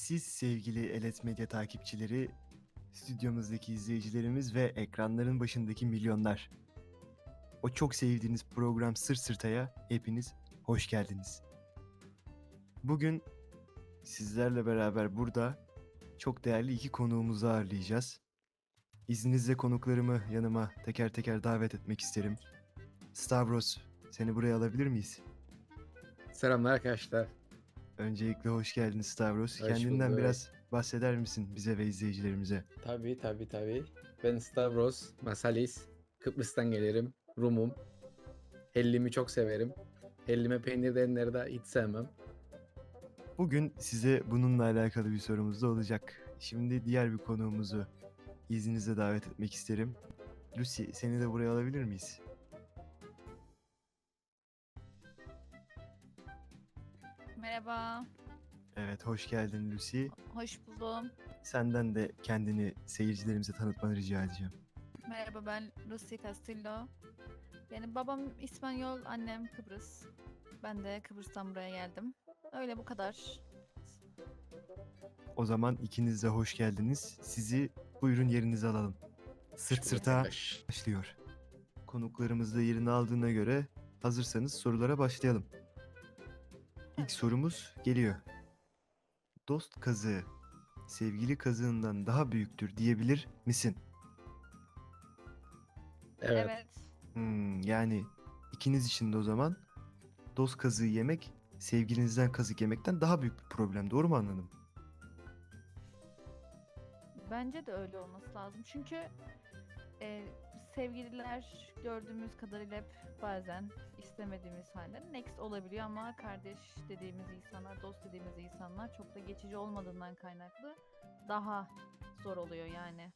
Siz sevgili Elet Medya takipçileri, stüdyomuzdaki izleyicilerimiz ve ekranların başındaki milyonlar. O çok sevdiğiniz program Sırt Sırta'ya hepiniz hoş geldiniz. Bugün sizlerle beraber burada çok değerli iki konuğumuzu ağırlayacağız. İzninizle konuklarımı yanıma teker teker davet etmek isterim. Stavros, seni buraya alabilir miyiz? Selamlar arkadaşlar. Öncelikle hoş geldin Stavros. Hoş Kendinden bulduk. biraz bahseder misin bize ve izleyicilerimize? Tabii. Ben Stavros Masalis. Kıbrıs'tan gelirim. Rumum. Hellimi çok severim. Hellime peynir denenleri de hiç sevmem. Bugün size bununla alakalı bir sorumuz da olacak. Şimdi diğer bir konuğumuzu izninizle davet etmek isterim. Lucy, seni de buraya alabilir miyiz? Merhaba, Evet, hoş geldin Lucy. hoş buldum. Senden de kendini seyircilerimize tanıtmanı rica edeceğim. Merhaba, ben Lucy Castillo. Benim babam İspanyol, annem Kıbrıs. Ben de Kıbrıs'tan buraya geldim. Öyle bu kadar. O zaman ikiniz de hoş geldiniz. Sizi buyurun yerinize alalım. Sırt sırta Arkadaş. başlıyor. Konuklarımız da yerini aldığına göre hazırsanız sorulara başlayalım. İlk sorumuz geliyor. Dost kazığı sevgili kazığından daha büyüktür diyebilir misin? Evet. Evet, Yani ikiniz için de o zaman dost kazığı yemek sevgilinizden kazık yemekten daha büyük bir problem. Doğru mu anladım? bence de öyle olması lazım. Çünkü e, sevgililer gördüğümüz kadarıyla hep bazen istemediğimiz halde next olabiliyor ama kardeş dediğimiz insanlar, dost dediğimiz insanlar çok da geçici olmadığından kaynaklı daha zor oluyor yani.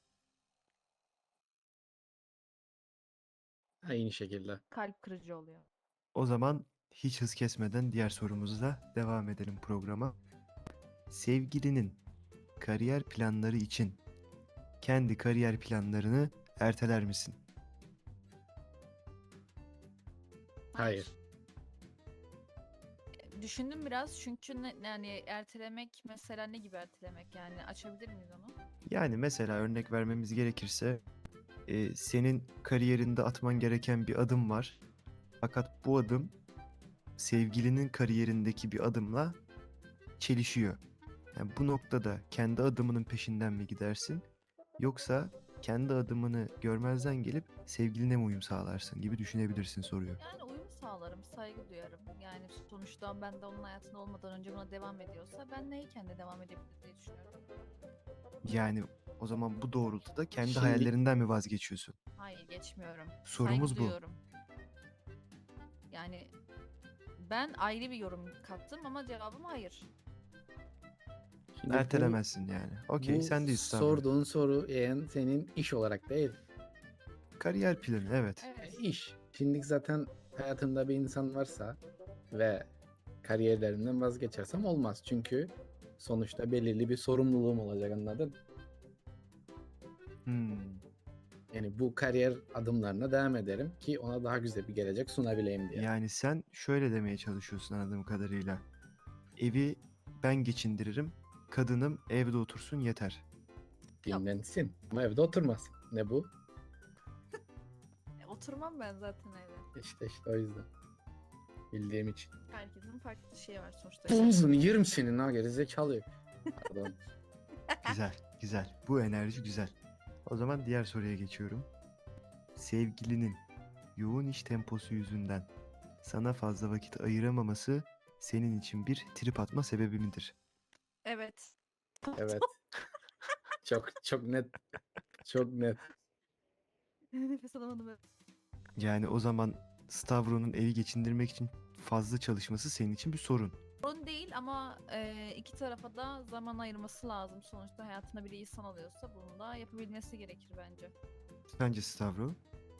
Aynı şekilde. Kalp kırıcı oluyor. O zaman hiç hız kesmeden diğer sorumuzla devam edelim programa. Sevgilinin kariyer planları için kendi kariyer planlarını erteler misin? Hayır. Düşündüm biraz çünkü yani ertelemek mesela ne gibi ertelemek yani açabilir miyiz onu? Yani mesela örnek vermemiz gerekirse senin kariyerinde atman gereken bir adım var. Fakat bu adım sevgilinin kariyerindeki bir adımla çelişiyor. Yani bu noktada kendi adımının peşinden mi gidersin? Yoksa kendi adımını görmezden gelip sevgiline mi uyum sağlarsın gibi düşünebilirsin soruyor. Yani uyum sağlarım, saygı duyarım. Yani sonuçta ben de onun hayatında olmadan önce buna devam ediyorsa ben neyken de devam edebilir diye düşünüyorum. Yani o zaman bu doğrultuda kendi Şimdi hayallerinden mi vazgeçiyorsun? Hayır geçmiyorum. Saygı Sorumuz bu. duyuyorum. Yani ben ayrı bir yorum kattım ama cevabım hayır. Şimdi Ertelemezsin yani. Okey, bu sendeyiz Stavro. sorduğun soru yani senin iş olarak değil. Kariyer planı, evet. Evet. İş. Şimdi zaten hayatımda bir insan varsa ve kariyerlerimden vazgeçersem olmaz. Çünkü sonuçta belirli bir sorumluluğum olacak, anladın? Hmm. Yani bu kariyer adımlarına devam ederim ki ona daha güzel bir gelecek sunabileyim diye. Yani sen şöyle demeye çalışıyorsun anladığım kadarıyla. Evi ben geçindiririm, kadınım evde otursun yeter. Dinlensin ama evde oturmasın. Ne bu? Oturmam ben zaten evde. İşte o yüzden. Bildiğim için. Herkesin farklı şeyi var sonuçta. Omzunu yerim senin ha, gerizekalı. Pardon. Güzel, güzel. Bu enerji güzel. O zaman diğer soruya geçiyorum. Sevgilinin yoğun iş temposu yüzünden sana fazla vakit ayıramaması senin için bir trip atma sebebi midir? Evet. Evet. Çok net. Çok net. Nefes alamadım. Yani o zaman Stavro'nun evi geçindirmek için fazla çalışması senin için bir sorun. Sorun değil ama iki tarafa da zaman ayırması lazım. Sonuçta hayatına bir insan alıyorsa bunu da yapabilmesi gerekir bence. Sence Stavro?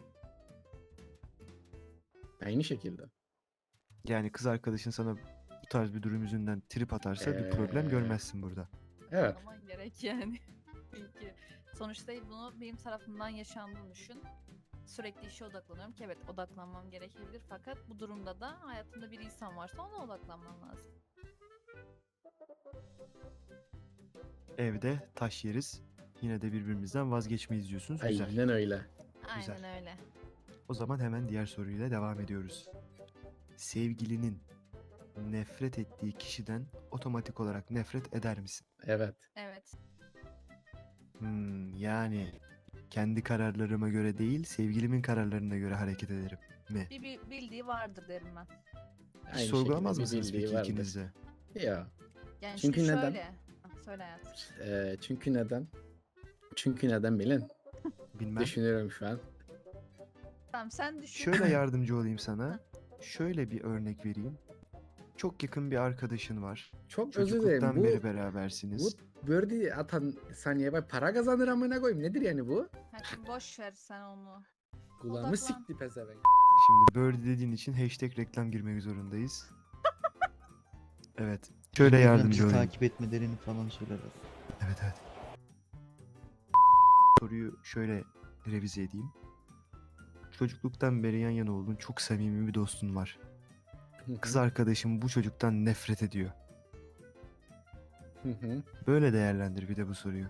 Aynı şekilde. Yani kız arkadaşın sana bu tarz bir durum yüzünden trip atarsa bir problem görmezsin burada. Evet. Aman gerek yani. Çünkü sonuçta bunu benim tarafımdan yaşandığını düşün. Sürekli işe odaklanıyorum ki evet odaklanmam gerekebilir fakat bu durumda da hayatında bir insan varsa ona odaklanman lazım. evde taş yeriz. Yine de birbirimizden vazgeçmeyiz diyorsunuz. Güzel. Aynen öyle. Güzel. Aynen öyle. O zaman hemen diğer soruyla devam ediyoruz. Sevgilinin nefret ettiği kişiden otomatik olarak nefret eder misin? Evet. Evet. Yani kendi kararlarıma göre değil, sevgilimin kararlarına göre hareket ederim mi? Bir bildiği vardır derim ben. Hiç Aynı sorgulamaz şekilde bir mısınız bildiği peki vardır. ikiniz de? Ya. Yani Çünkü şimdi neden? şöyle. Söyle hayatım. Çünkü neden? Çünkü neden bilin? Bilmem. Düşünüyorum şu an. Tamam sen düşün. Şöyle yardımcı olayım sana. Şöyle bir örnek vereyim. Çok yakın bir arkadaşın var. Çok özür dilerim. Çocukluktan Bu beri berabersiniz. birdie atan saniye bak para kazanır amına koyayım. Nedir yani bu? Hadi boş ver sen onu. Kulağımı Odaklan. sikti pezevenk. Şimdi Birdie dediğin için hashtag reklam girmek zorundayız. Evet. Şöyle Bizi yardımcı olayım. takip etmelerini falan söylerler. Evet. Soruyu şöyle revize edeyim. Çocukluktan beri yan yana olduğun çok samimi bir dostun var. Kız arkadaşım bu çocuktan nefret ediyor. Hı hı. Böyle değerlendir bir de bu soruyu.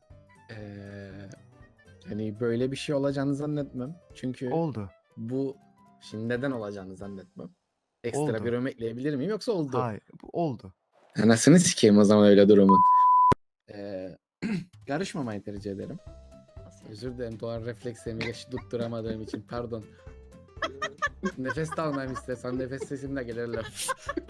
Hani böyle bir şey olacağını zannetmem. Çünkü Oldu. bu şimdi neden olacağını zannetmem. Ekstra Oldu. bir örnek ekleyebilir miyim yoksa oldu? Hayır, bu oldu. Anasını sikeyim o zaman öyle durumun. Karışmamayı tercih ederim. Nasıl yani? Özür dilerim doğal reflekslerimi tutturamadığım için pardon. Nefes de almayayım istersen nefes sesimle gelirler.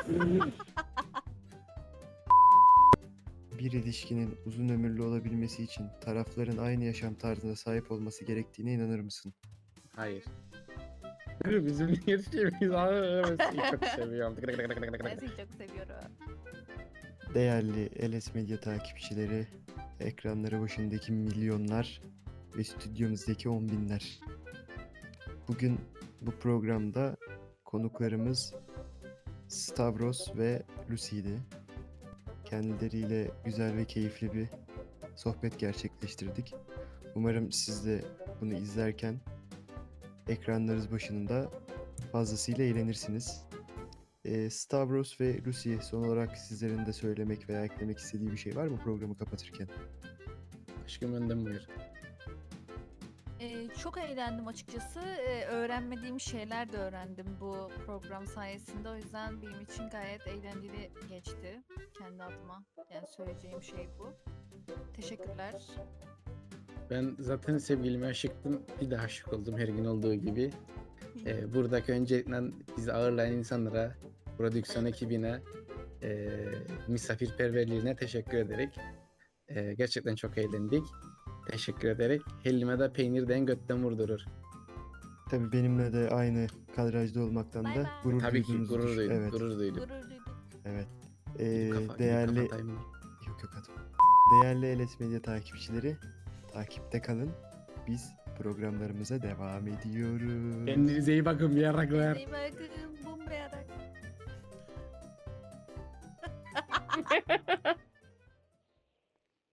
Bir ilişkinin uzun ömürlü olabilmesi için tarafların aynı yaşam tarzına sahip olması gerektiğine inanır mısın? Hayır. Bizim ilişkimiz çok seviyorum. Ben seni çok seviyorum. Değerli LS Medya takipçileri, ekranları başındaki milyonlar ve stüdyomuzdaki 10 binler. Bugün bu programda konuklarımız Stavros ve Lucy'ydi. Kendileriyle güzel ve keyifli bir sohbet gerçekleştirdik. Umarım siz de bunu izlerken ekranlarınız başında fazlasıyla eğlenirsiniz. Stavros ve Lucy, son olarak sizlerin de söylemek veya eklemek istediği bir şey var mı programı kapatırken? Aşkım önden buyur. Çok eğlendim açıkçası. Öğrenmediğim şeyler de öğrendim bu program sayesinde. O yüzden benim için gayet eğlenceli geçti. Kendi adıma. Yani söyleyeceğim şey bu. Teşekkürler. Ben zaten sevgilime aşıktım. Bir daha aşık oldum her gün olduğu gibi. Buradaki öncelikle bizi ağırlayan insanlara, prodüksiyon ekibine, misafirperverliğine teşekkür ederek gerçekten çok eğlendik. Teşekkür ederek. Hellime de peynirden götten vurdurur. Tabii benimle de aynı kadrajda olmaktan Bay da bay. gurur Tabii ki duyduğunuzu gurur duydum. Evet, Gurur duydum. Gurur duydum. evet. Değerli... Değerli... Yok atma. Değerli LS Medya takipçileri, takipte kalın. Biz programlarımıza devam ediyoruz. Kendinize iyi bakın bir yaraklar. İyi bakın. Bum be yarak.